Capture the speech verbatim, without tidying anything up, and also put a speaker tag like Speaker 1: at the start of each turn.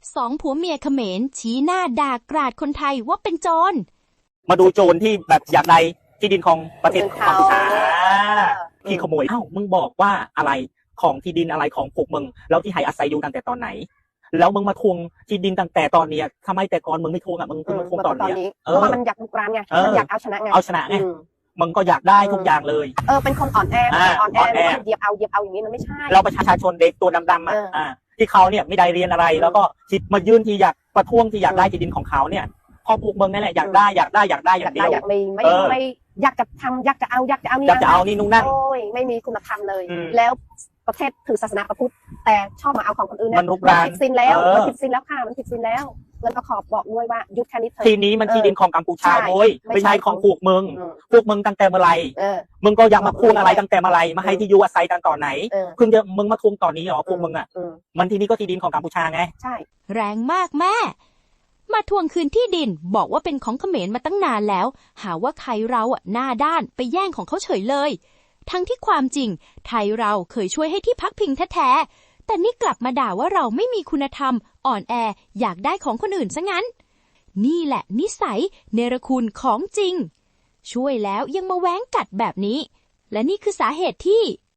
Speaker 1: สองผัวเมียเขมรชี้หน้าด่ากราดคนไทยว่าเป็นโจร
Speaker 2: มาดูโจรที่แบบอยากได้ที่ดินของประเทศกัมพูชาที่ขโมยเอ้ามึงบอกว่าอะไรของที่ดินอะไรของพวกมึงแล้วที่ให้อาศัยอยู่ตั้งแต่ตอนไหนแล้วมึงมาทวงที่ดินตั้งแต่ตอนนี้ทำไมแต่ก่อนมึงไม่ทวงอ่ะมึงมาทวงตอนนี้
Speaker 3: เพราะว่ามันอยากลุกรานไงมันอยากเอาชนะไง
Speaker 2: เอาชนะไงมึงก็อยากได้ทุกอย่างเลย
Speaker 3: เออเป็นคนอ่อนแออ่อนแอเหยียบเอาเหยียบเอาอย่างนี้มันไม่ใช่
Speaker 2: เราประชาชนเด็กตัวดำๆอ่ะที่เขาเนี่ยไม่ได้เรียนอะไรแล้วก็คิดมายื่นที่อยากประท้วงที่อยากได้ที่ดินของเขาเนี่ยพอพวกมึงนั่นแหละอยากได้อยากได้อยากได้อย่างเดียว
Speaker 3: อยากไม่ไม่ไม่อยากจะทำอยากจะเอาอยากจะเอานี่
Speaker 2: อยากจะเอานี่นู่นนั่น
Speaker 3: โอ้ยไม่มีคุณธรรมเลยแล้วประเทศถือศาสนาพระพุทธแต่ชอบมาเอาของคนอื่น
Speaker 2: มันลุกราน
Speaker 3: ผิดศีลแล้วมันผิดศีลแล้วค่ะมันผิดศีลแล้วแล้วก็ขอบอกด้วยว่ายุดแค่นี้เถอะ
Speaker 2: ทีนี้มันที่ดินของกัมพูชาโว้ยไม่ใช่ของพวกมึงพวกมึงตั้งแต่เมื่อไรมึงก็ยังมาพูดอะไรตั้งแต่เมื่อไรมาให้ที่อยู่อาศัยกันตอนไหนเพิ่งจะมึงมาทวงตอนนี้เหรอพวกมึงอ่ะมันทีนี้ก็ที่ดินของกัมพูชาไง
Speaker 3: ใช่
Speaker 1: แรงมากแม่มาทวงคืนที่ดินบอกว่าเป็นของเขมรมาตั้งนานแล้วหาว่าไทยเราอ่ะหน้าด้านไปแย่งของเขาเฉยเลยทั้งที่ความจริงไทยเราเคยช่วยให้ที่พักพิงแท้ๆแต่นี่กลับมาด่าว่าเราไม่มีคุณธรรมอ่อนแออยากได้ของคนอื่นซะงั้นนี่แหละนิสัยเนรคุณของจริงช่วยแล้วยังมาแว้งกัดแบบนี้และนี่คือสาเหตุที่